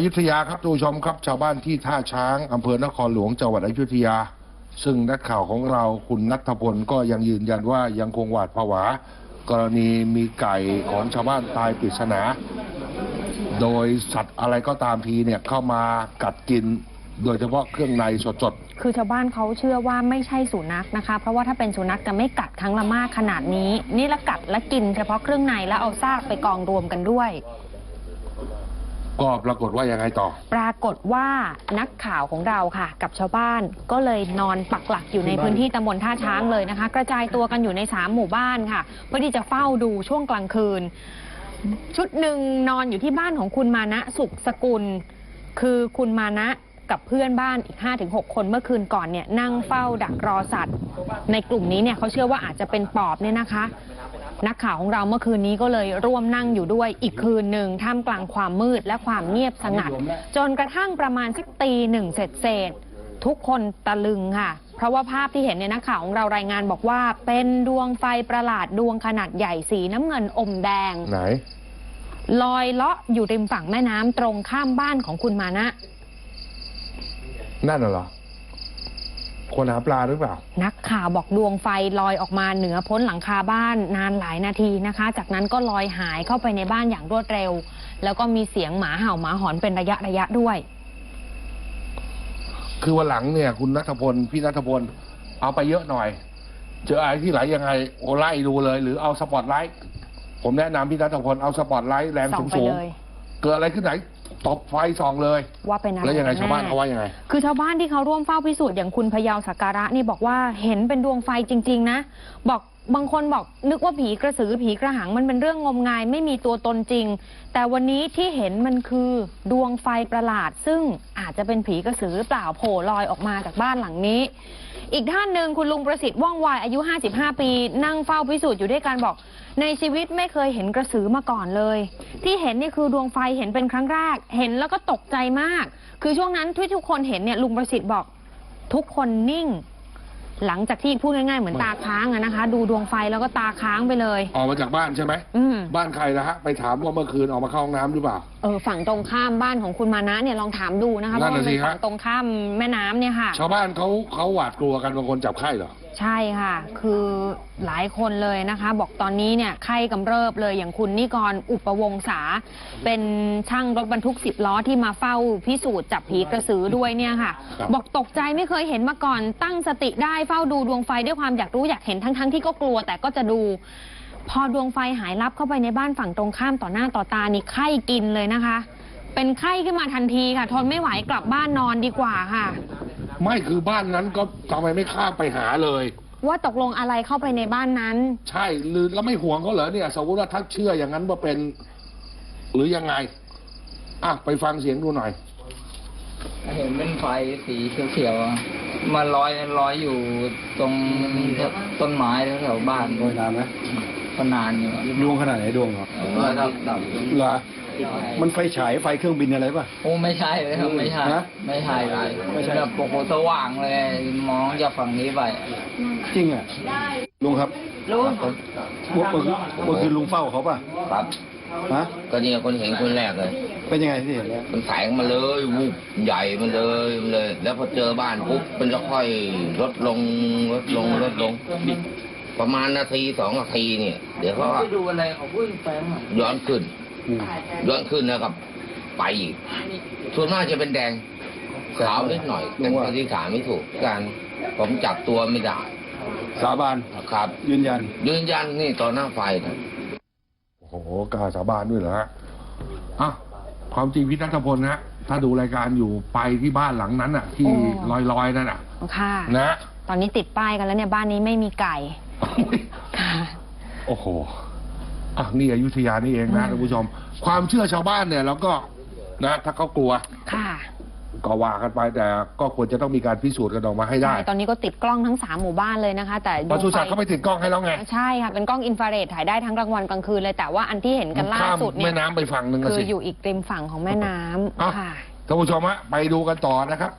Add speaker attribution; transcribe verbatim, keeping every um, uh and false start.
Speaker 1: ยุธยาครับทุกผู้ชมครับชาวบ้านที่ท่าช้างอำเภอนครหลวงจังหวัดอยุธยาซึ่งนักข่าวของเราคุณณัฐพลก็ยังยืนยันว่ายังคงหวาดผวากรณีมีไก่ของชาวบ้านตายปริศนาโดยสัตว์อะไรก็ตามทีเนี่ยเข้ามากัดกินโดยเฉพาะเครื่องในสดๆ
Speaker 2: คือชาวบ้านเขาเชื่อว่าไม่ใช่สุนัขนะคะเพราะว่าถ้าเป็นสุนัขจะไม่กัดครั้งละมากขนาดนี้นี่ละกัดและกินเฉพาะเครื่องในแล้วเอาซากไปกองรวมกันด้วย
Speaker 1: ก็ปรากฏว่ายังไงต่อ
Speaker 2: ปรากฏว่านักข่าวของเราค่ะกับชาวบ้านก็เลยนอนปักหลักอยู่ในพื้นที่ตำบลท่าช้างเลยนะคะกระจายตัวกันอยู่ในสามหมู่บ้านค่ะเพื่อที่จะเฝ้าดูช่วงกลางคืนชุดหนึ่งนอนอยู่ที่บ้านของคุณมานะสุขสกุลคือคุณมานะกับเพื่อนบ้านอีก ห้าถึงหก คนเมื่อคืนก่อนเนี่ยนั่งเฝ้าดักรอสัตว์ในกลุ่มนี้เนี่ยเขาเชื่อว่าอาจจะเป็นปอบเนี่ยนะคะนักข่าวของเราเมื่อคืนนี้ก็เลยร่วมนั่งอยู่ด้วยอีกคืนหนึ่งท่ามกลางความมืดและความเงียบสงัดจนกระทั่งประมาณสักตีหนึ่งเสร็จเสร็จทุกคนตะลึงค่ะเพราะว่าภาพที่เห็นเนี่ยนักข่าวของเรารายงานบอกว่าเป็นดวงไฟประหลาดดวงขนาดใหญ่สีน้ำเงินอมแดง
Speaker 1: ไหน
Speaker 2: ลอยเลาะอยู่ริมฝั่งแม่น้ำตรงข้ามบ้านของคุณมานะ
Speaker 1: นั่นเหรอคนหาปลาหรือเปล่า
Speaker 2: นักข่าวบอกดวงไฟลอยออกมาเหนือพ้นหลังคาบ้านนานหลายนาทีนะคะจากนั้นก็ลอยหายเข้าไปในบ้านอย่างรวดเร็วแล้วก็มีเสียงหมาเห่าหมาหอนเป็นระยะระยะด้วย
Speaker 1: คือวันหลังเนี่ยคุณณัฐพลพี่ณัฐพลเอาไปเยอะหน่อยเจออะไรที่ไหลยังไงโอไล่ดูเลยหรือเอาสปอตไลท์ผมแนะนำพี่ณัฐพลเอาสปอตไลท์แรงสูงๆเกิดอะไรขึ้นไหนตบไฟส่องเลย
Speaker 2: ว่าเป็นอะไร
Speaker 1: แล้วยังไงชาวบ้านเขาว่ายังไง
Speaker 2: คือชาวบ้านที่เขาร่วมเฝ้าพิสูจน์อย่างคุณพยาวสักการะนี่บอกว่าเห็นเป็นดวงไฟจริงๆนะบอกบางคนบอกนึกว่าผีกระสือผีกระหังมันเป็นเรื่องงมงายไม่มีตัวตนจริงแต่วันนี้ที่เห็นมันคือดวงไฟประหลาดซึ่งอาจจะเป็นผีกระสือหรือเปล่าโผล่ลอยออกมาจากบ้านหลังนี้อีกท่านหนึ่งคุณลุงประสิทธิ์ว่องไวอายุห้าสิบห้าปีนั่งเฝ้าพิสูจน์อยู่ด้วยกันบอกในชีวิตไม่เคยเห็นกระสือมาก่อนเลยที่เห็นนี่คือดวงไฟเห็นเป็นครั้งแรกเห็นแล้วก็ตกใจมากคือช่วงนั้นที่ทุกคนเห็นเนี่ยลุงประสิทธิ์บอกทุกคนนิ่งหลังจากที่พูดง่ายๆเหมือนตาค้างอะนะคะดูดวงไฟแล้วก็ตาค้างไปเลย
Speaker 1: ออกมาจากบ้านใช่ไหมบ้านใครนะฮะไปถามว่าเมื่อคืนออกมาเข้าห้องน้ำหรือเปล่า
Speaker 2: เออฝั่งตรงข้ามบ้านของคุณมานะเนี่ยลองถามดูนะคะเพราะมันเป็นฝั่งตรงข้ามแม่น้ำเนี่ยค่ะ
Speaker 1: ชาวบ้านเขาเขาหวาดกลัวกันบางคนจับไข้เหรอ
Speaker 2: ใช่ค่ะคือหลายคนเลยนะคะบอกตอนนี้เนี่ยไข้กำเริบเลยอย่างคุณนิกรอุปวงศาเป็นช่างรถบรรทุกสิบล้อที่มาเฝ้าพิสูจน์จับผีกระสือด้วยเนี่ยค่ะบอกตกใจไม่เคยเห็นมาก่อนตั้งสติได้เฝ้าดูดวงไฟด้วยความอยากรู้อยากเห็นทั้งๆที่ก็กลัวแต่ก็จะดูพอดวงไฟหายลับเข้าไปในบ้านฝั่งตรงข้ามต่อหน้าต่อตานี่ไข้กินเลยนะคะเป็นไข้ขึ้นมาทันทีค่ะทนไม่ไหวกลับบ้านนอนดีกว่าค่ะ
Speaker 1: ไม่คือบ้านนั้นก็ทำไมไม่ข้ามไปหาเลย
Speaker 2: ว่าตกลงอะไรเข้าไปในบ้านนั้น
Speaker 1: ใช่หรือแล้วไม่ห่วงเขาเหรอเนี่ยสมมติว่าถ้าเชื่ออย่างนั้นว่าเป็นหรือยังไงอ่ะไปฟังเสียงดูหน่อย
Speaker 3: เห็นเป็นไฟสีเขียวๆมาลอยลอยอยู่ตรงต้นไม้แถวบ้าน
Speaker 4: ลอยนานไหม
Speaker 3: ก็นานอยู่
Speaker 4: ดวงขนาดไหนดวงครับ
Speaker 3: ดับดับ
Speaker 4: เหรอมันไฟฉายไฟเครื่องบินอะไรป่ะ
Speaker 3: โอ้ไม่ใช่เลยครับไม่ใช่ไม่ใช่เลยไม่ใช่แบบโปโคสว่างเลยมองจากฝั่งนี้ไป
Speaker 4: จริงอ่ะลุงครับ
Speaker 3: ลุง
Speaker 4: เมื่อคืนเมื่อคืนลุงเฝ้าเขาป่ะ
Speaker 3: ครับ
Speaker 4: ฮะ
Speaker 3: ก็นี่คนเห็นคนแรกเลย
Speaker 4: เป็นยังไงที่เห็น
Speaker 3: มันแสงมาเลยวุบใหญ่มันเลยเลย แล้วพอเจอบ้านปุ๊บมันจะค่อยลดลงลดลงลดลงประมาณนาทีสองนาทีเนี่ยเดี๋ยวเขาดูอะไรเขาพูดแฝงย้อนขึ้นย้อนขึ้นนะครับไปอีกส่วนมากจะเป็นแดงขาวนิดหน่อยแต่ที่ขาไม่ถูกการผมจับตัวไม่ได้
Speaker 4: สาบาน
Speaker 3: ครับ
Speaker 4: ยืนยัน
Speaker 3: ยืนยันนี่ต่อหน้าไฟนะ
Speaker 1: โอ้โหกล้าสาบานด้วยเหรอฮะอ่ะความจริงพี่ณัฐพลนะถ้าดูรายการอยู่ไปที่บ้านหลังนั้นอ่ะที่ลอยๆนั่นอ่ะ
Speaker 2: ค่ะ
Speaker 1: นะ
Speaker 2: ตอนนี้ติดป้ายกันแล้วเนี่ยบ้านนี้ไม่มีไก่
Speaker 1: ค่ะโอ้โหอ่ะนี่อยุธยานี่เองนะท่านผู้ชมความเชื่อชาวบ้านเนี่ยแล้วก็นะถ้าเขากลัว
Speaker 2: ค่ะ
Speaker 1: ก็ว่ากันไปแต่ก็ควรจะต้องมีการพิสูจน์กันออกมาให้ได้
Speaker 2: ตอนนี้ก็ติดกล้องทั้งสามหมู่บ้านเลยนะคะแต่
Speaker 1: ปศุสัตว์เขาไปติดกล้องให้แล้วไง
Speaker 2: ใช่ค่ะเป็นกล้องอินฟราเรดถ่ายได้ทั้งกลางวันกลางคืนเลยแต่ว่าอันที่เห็นกันล่าสุดเนี่ย
Speaker 1: แม่น้ำไปฝั่งหนึ่ง
Speaker 2: คืออยู่อีกริมฝั่งของแม่น้ำค่ะ
Speaker 1: ท่านผู้ชมฮะไปดูกันต่อนะครับ